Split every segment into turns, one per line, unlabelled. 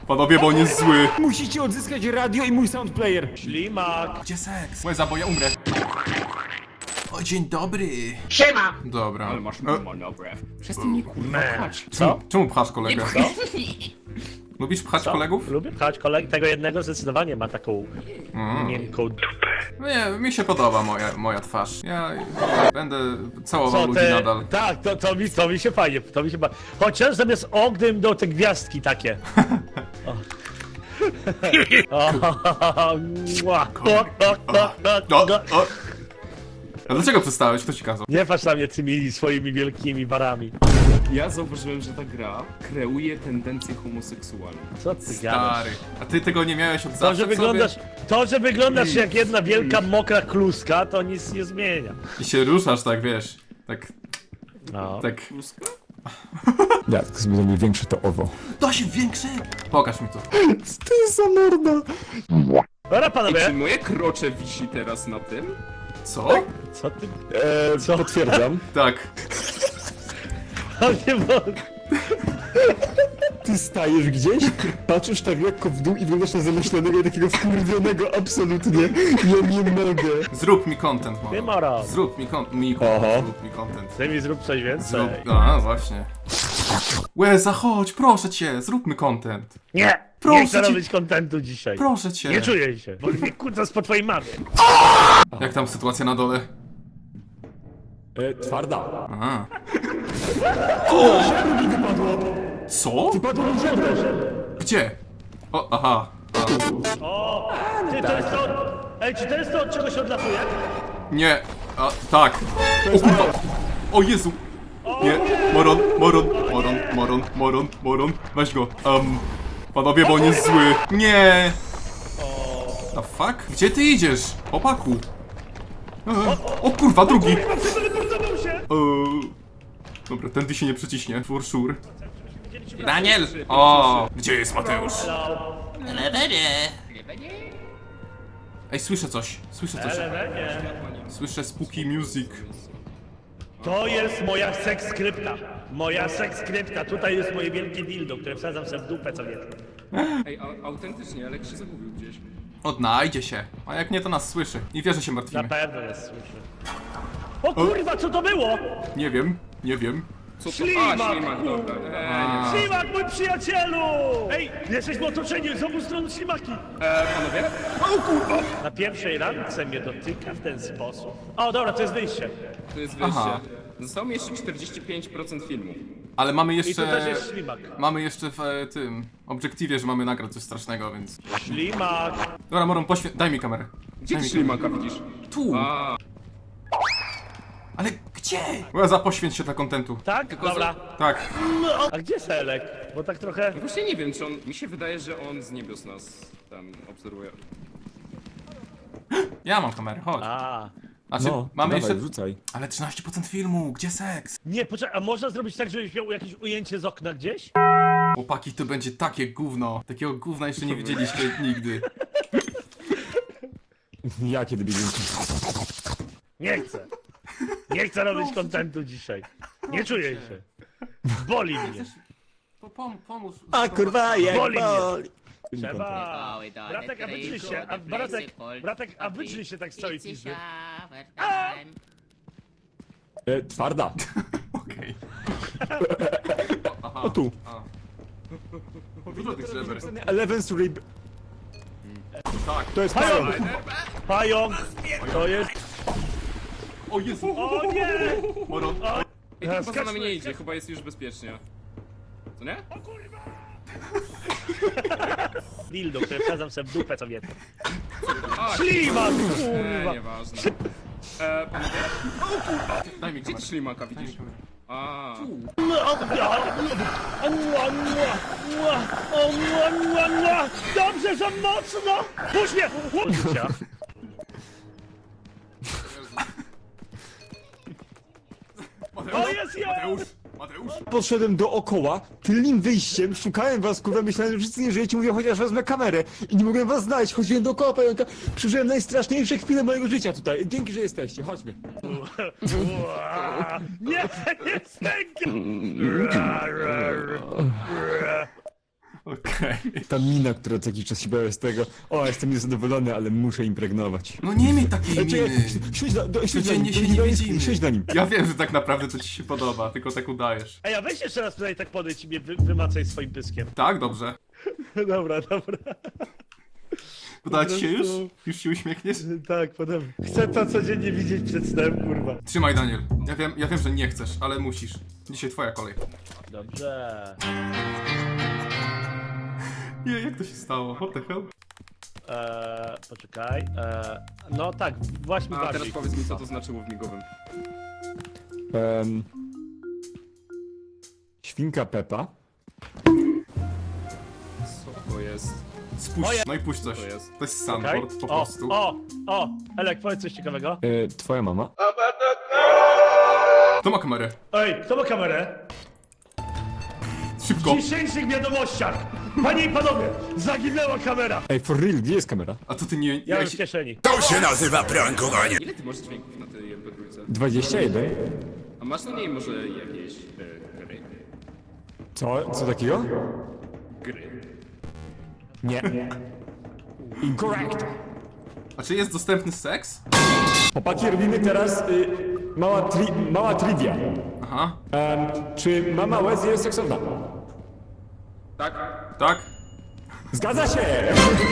Panowie, bo on jest zły.
Musicie odzyskać radio i mój soundplayer.
Ślimak.
Gdzie seks? Łeza, bo ja umrę. O, dzień dobry.
Siema!
Dobra.
Ale masz monograf. Przestań mi kurwa pchać.
Co?
Czemu pchasz kolegę? Lubisz pchać kolegów?
Lubię pchać kolegę. Tego jednego zdecydowanie ma taką miękką dupę.
Nie, mi się podoba moja twarz. Ja będę całował
Co
ludzi
te...
nadal.
Tak, to mi się fajnie, to mi się ba... Chociaż zamiast ognym do te gwiazdki takie. O. Mua.
O. A dlaczego przestałeś? Kto ci kazał?
Nie patrz na mnie tymi swoimi wielkimi barami.
Ja zauważyłem, że ta gra kreuje tendencje homoseksualne.
Co ty gadasz?
Stary. A ty tego nie miałeś od zawsze
To, że wyglądasz jak jedna wielka mokra kluska, to nic nie zmienia.
I się ruszasz tak, wiesz. Tak.
No.
Tak.
Pluska?
Jak zrobię większe to owo.
To się większy! Pokaż mi to.
Co to jest za morda?
Dobra
Czy
panowie,
moje krocze wisi teraz na tym?
Co?
co ty...
Co? Potwierdzam.
Tak.
O nie mogę.
Ty stajesz gdzieś, patrzysz tak lekko w dół i wyglądasz na zamyślonego i takiego wkurwionego absolutnie. Ja nie mogę.
Zrób mi content,
Nie
mamo.
ma razu.
Zrób mi content.
Oho.
Zrób mi content.
Ty mi zrób coś więcej.
Zrób. A, właśnie. Łeza, chodź, proszę cię, zróbmy content.
Nie!
Proszę
Nie chcę
cię.
robić kontentu dzisiaj.
Proszę cię.
Nie czuję się, bo mnie kutas po twojej mamie.
Jak tam sytuacja na dole?
Twarda.
A. Co?
Padło mi żebro.
Gdzie? O, aha.
O! Ty, to jest to... Ej, czy to jest to, od czego się odlatuje?
Nie. A, tak. O kurwa. O Jezu. Nie. Moron. Weź go. Panowie, bo on jest zły. Nie. The fuck? Gdzie ty idziesz? Chłopaku. O kurwa, drugi.
Teleportował się!
Dobra, tędy się nie przeciśnie, for sure. Daniel! O, gdzie jest Mateusz? Ej, słyszę coś. Słyszę spooky music.
To jest moja sekskrypta. Moja sekskrypta. Tutaj jest moje wielkie dildo, które wsadzam sobie w dupę co wieczór.
Ej, autentycznie, Alek się zagubił gdzieś.
Odnajdzie się. A jak nie, to nas słyszy. I wie, że się
Na
martwimy.
pewno nas słyszy. O kurwa, co to było?
Nie wiem.
Co to?
Ślimak,
A, ślimak, dobra.
Ślimak, mój przyjacielu! Ej, jesteśmy otoczeni z obu stron ślimaki.
Panowie?
Na pierwszej randce mnie dotyka w ten sposób. O, dobra, to jest wyjście.
To jest wyjście.
Aha.
Zostało mi jeszcze 45% filmu.
Ale mamy
I tu
jeszcze...
też jest ślimak.
Mamy jeszcze w tym... obiektywie, że mamy nagrać coś strasznego, więc...
Ślimak.
Dobra, Moron, daj mi kamerę.
Gdzie
Daj
ty
mi
ślimaka widzisz?
Tu!
A,
Ale gdzie? Łeza, poświęć się dla kontentu.
Tak? Dobra.
Tak.
A gdzie Selek? Bo tak trochę...
właśnie nie wiem, czy on... Mi się wydaje, że on z niebios nas tam obserwuje.
Ja mam kamerę, chodź.
A.
Znaczy,
No,
mamy
dawaj,
jeszcze...
wrzucaj.
Ale 13% filmu, gdzie seks?
Nie, poczekaj, a można zrobić tak, żebyś miał jakieś ujęcie z okna gdzieś?
Chłopaki, to będzie takie gówno. Takiego gówna jeszcze nie widzieliście nigdy.
Ja kiedy biegłem.
Nie chcę. Nie chcę robić kontentu dzisiaj. Nie czuję się. Boli mnie.
To pomóż.
A kurwa, jak
Boli mnie.
boli.
Trzeba. Bratek, a wydrzyj się. Bratek, a wydrzyj się tak z całej pizdy.
Twarda.
Okej.
O tu.
Dużo tych żeber.
Eleven's Rib.
Tak.
To jest
Pająk!
pająk.
Pająk! To jest...
O Jezu.
O nie!
Moron.
Ej, to chyba za
skacz-
nami nie idzie, chyba jest już bezpiecznie. Co nie?
Dildo, które wsadzam sobie w dupę co wieczór.
A,
Ślimak, kurwa!
nieważne. Panowie?
Daj mi
Gdzie ty
kamerę.
ślimaka widzisz? A,
Dobrze, za mocno! Puść mnie! Puścia! To jest ja!
Mateusz.
Poszedłem dookoła, tylnym wyjściem, szukałem was, kurwa, myślałem, że wszyscy nie żyjecie, mówię, chociaż wezmę kamerę i nie mogłem was znaleźć, chodziłem dookoła pająka, przeżyłem najstraszniejsze chwile mojego życia tutaj, dzięki, że jesteście, chodźmy.
Nie, nie stękam!
Okej.
Ta mina, która co jakiś czas się bała z tego. O, jestem niezadowolony, ale muszę impregnować.
No nie miej takiej
Ej, czekaj,
miny.
siedź na nim.
Codziennie się nie widzimy.
Siedź na nim.
Ja wiem, że tak naprawdę to ci się podoba, tylko tak udajesz.
Ej, a weź jeszcze raz tutaj tak podejdź i mnie wymacaj swoim pyskiem.
Tak, dobrze.
Dobra, dobra.
Uda ci się już?
prostu-
Już się uśmiechniesz?
Tak, podobnie. Chcę to codziennie widzieć przed snem, kurwa.
Trzymaj, Daniel. Ja wiem, że nie chcesz, ale musisz. Dzisiaj twoja kolej.
Dobrze.
Nie, jak to się stało? What the hell?
Poczekaj. No tak, właśnie
A teraz
bardziej.
powiedz mi, co to znaczyło w migowym.
Świnka Pepa.
Co to jest?
Spuść,
Moje-
no i puść coś.
To jest.
To jest
Okej.
sandboard, po prostu.
O! Elek, powiedz coś ciekawego.
Twoja mama.
Kto ma kamerę?
Ej, kto ma kamerę?
Szybko!
W dzisiejszych wiadomościach! Panie i panowie, zaginęła kamera!
Ej, for real, gdzie jest kamera?
A to ty nie...
Ja mam w kieszeni.
To się nazywa prankowanie.
Ile ty masz dźwięków na tej MP3?
21?
A masz na niej może jakieś gry?
Co? Co takiego?
Gry.
Nie. Incorrect.
A czy jest dostępny seks?
Chłopaki, robimy teraz mała trivia.
Aha.
Czy mama Łezy jest seksowna?
Tak?
Tak?
Zgadza się!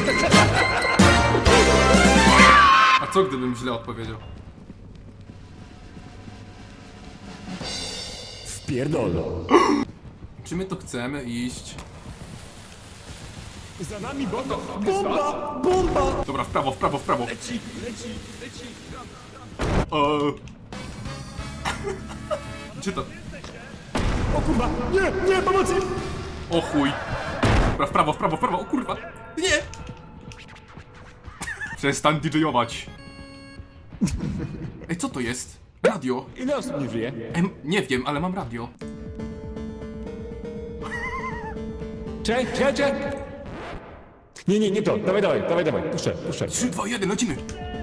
A co gdybym źle odpowiedział?
Wpierdolo.
Czy my to chcemy iść?
Za nami bomba! Bomba! Bomba!
Dobra, w prawo, w prawo, w prawo.
Leci!
Gdzie to?
O kurwa! Nie! Nie! Pomocy!
O chuj. Dobra, w prawo, w prawo, w prawo. O kurwa. Nie! Przestań DJ-ować. Ej, co to jest? Radio.
Ile osób nie żyje?
Nie wiem, ale mam radio.
Czekaj! Nie to. Dawaj. Puszczę.
3, 2, 1, lecimy.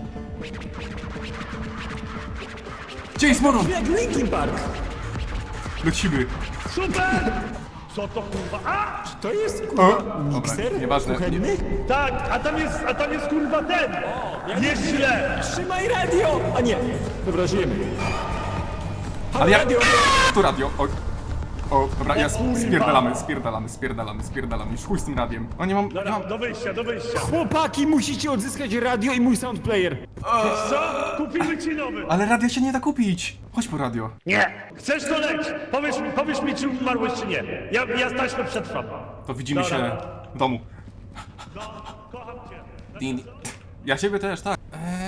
Gdzie jest Moron?
Jak Linkin Park!
Lecimy.
Super! Co to kurwa? A!
To jest kurwa mikser?
Dobra, nieważne.
Kuchenny?
Tak, a tam jest kurwa ten! Jest źle!
Trzymaj radio! A nie! Dobra, żyjemy. Halo,
Ale ja...
radio!
To radio. O, dobra, ja spierdalamy. Już chuj z tym radiem. O, nie mam...
Dobra, do wyjścia.
Chłopaki, musicie odzyskać radio i mój soundplayer.
Co? Kupimy ci nowy!
Ale radia się nie da kupić. Chodź po radio.
Nie! Chcesz to leć! Powiesz mi, czy umarłeś, czy nie. Ja taśmę przetrwam.
To widzimy
Dobra.
się w domu.
Kocham cię.
Din. Ja ciebie też, tak.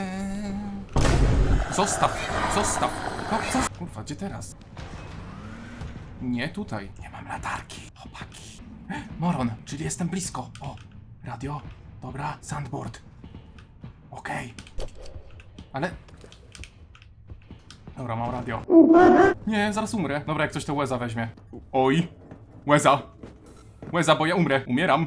Zostaw. Kurwa, gdzie teraz? Nie tutaj. Nie mam latarki. Chłopaki. Moron, czyli jestem blisko. O, radio. Dobra, sandboard. Okej. Ale... Dobra, mam radio. Nie, zaraz umrę. Dobra, jak ktoś to Łeza weźmie. Oj. Łeza, bo ja umrę. Umieram.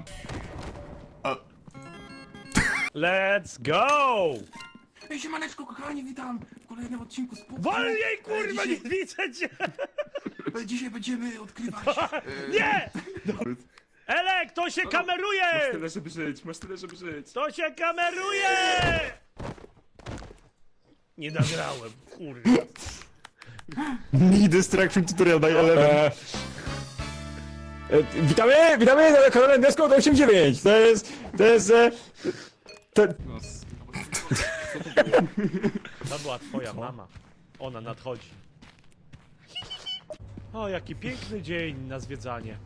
Let's go!
Ej, siemaneczko, kochani, witam w kolejnym odcinku z
Wolniej, kurwa, nie widzę cię!
Dzisiaj będziemy odkrywać...
Nie! Elek, to się kameruje!
Masz tyle, żeby żyć.
To się kameruje! Nie nagrałem, kurwa.
Mini Destruction Tutorial by Eleven. Witamy na kanale Nesco 89. To jest...
No,
To była twoja mama. Ona nadchodzi. O, jaki piękny dzień na zwiedzanie.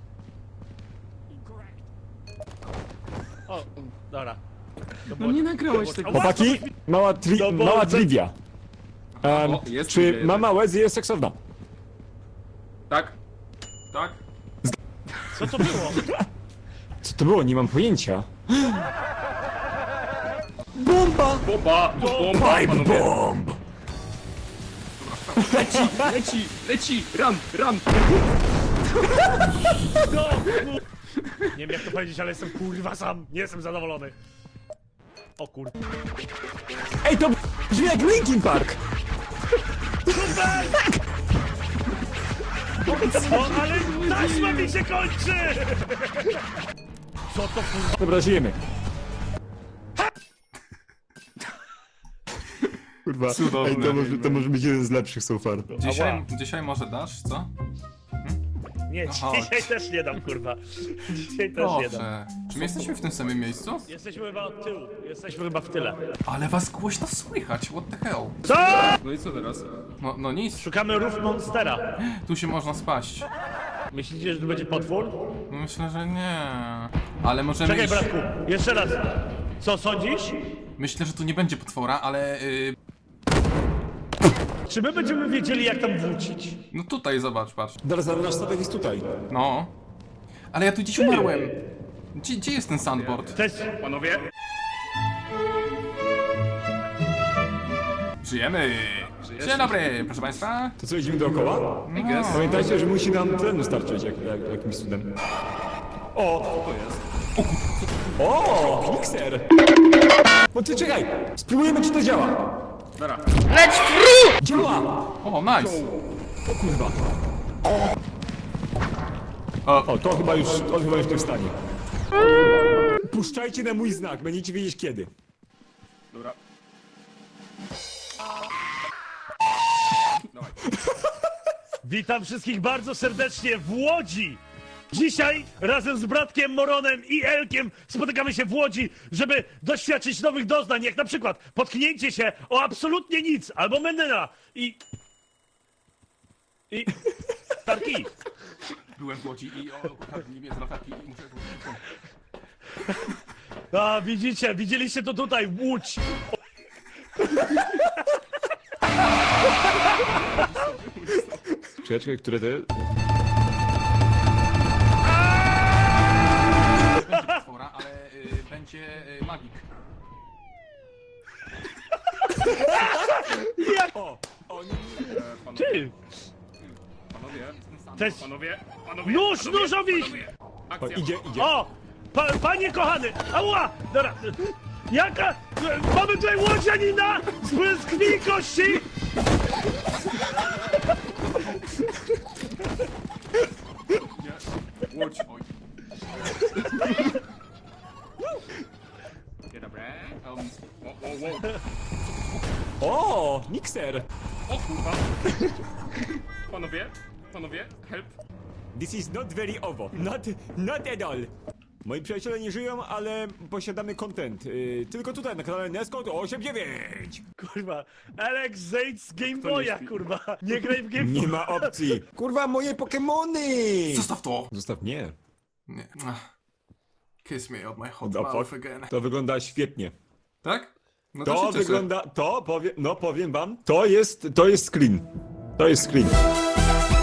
O, dobra. To
no
było-
nie nagrałeś
to
tego.
było-
Chłopaki, mała trivia.
O, jest
Czy
trivia
mama Łezy jest seksowna?
Tak?
Tak?
Co to było?
Co to było? Nie mam pojęcia. Bomba!
Bomba!
Pipe bomb!
Leci! Run!
No, nie wiem jak to powiedzieć, ale jestem kurwa sam. Nie jestem zadowolony. O kur...
Ej, to brzmi jak Linkin Park!
O, ale taśma mi się kończy! Co to kurwa?
Dobra, żyjemy. Kurwa,
Cudowne.
ej, to może być jeden z lepszych so far.
Dzisiaj może dasz, co?
Nie,
No chodź.
dzisiaj też nie dam kurwa. Dzisiaj też nie dam.
Proszę. Czy my jesteśmy w tym samym miejscu?
Jesteśmy chyba od tyłu, jesteśmy chyba w tyle.
Ale was głośno słychać, what the hell?
Co?
No i co teraz?
No nic,
Szukamy rów Monstera.
tu się można spaść.
Myślicie, że tu będzie potwór?
Myślę, że nie. Ale możemy
Czekaj
iść...
bratku, jeszcze raz. Co sądzisz?
Myślę, że tu nie będzie potwora, ale...
Czy my będziemy wiedzieli jak tam wrócić?
No tutaj, zobacz, patrz.
Zaraz, nasz statek jest tutaj.
No. Ale ja tu dziś umarłem. Gdzie jest ten sandboard?
To jest...
Panowie?
Żyjemy! Dzień dobry, proszę państwa.
To co, idziemy dookoła?
No.
Pamiętajcie, że musi nam tlenu starczyć jakimś cudem. O!
To jest.
O! Mikser! No ty czekaj! Spróbujemy, czy to działa!
Dobra.
Działa!
O, nice.
O kurwa.
O,
O, to chyba już nie wstanie. Puszczajcie na mój znak, będziecie wiedzieć kiedy.
Dobra. Dawaj.
Witam wszystkich bardzo serdecznie w Łodzi! Dzisiaj razem z bratkiem Moronem i Elkiem spotykamy się w Łodzi, żeby doświadczyć nowych doznań, jak na przykład potknięcie się o absolutnie nic, albo menyna i... Tarki!
byłem w Łodzi i ukradli mnie z latarki i muszę...
A, widzieliście to tutaj, Łódź!
Czekaj, które to jest?
Będzie potwora, ale będzie magik.
O! O nie,
Ty!
Panowie?
To jest...
Panowie?
Nóż,
Panowie?
nóżowi!
Panowie?
o,
Akcja.
idzie.
O! Panie kochany! Ała! Dobra. Jaka? Mamy tutaj łodzianina z krwi i kości!
Łódź. Oj. Dzień dobry.
O! Mikser!
O kurwa. Panowie, help.
This is not very owo. Not at all. Moi przyjaciele nie żyją, ale posiadamy content. Tylko tutaj na kanale Nescode 89.
Kurwa, Alex zejdź z Game Boya,
śpi?
kurwa. Nie graj w Game
Nie
Boya.
ma opcji. Kurwa, moje Pokemony!
Zostaw to!
Zostaw mnie.
Nie. Ach. Kiss me on my hot
The
mouth
fuck?
again.
To wygląda świetnie.
Tak? No
To
się cieszę.
wygląda, powiem wam, to jest screen. To jest screen.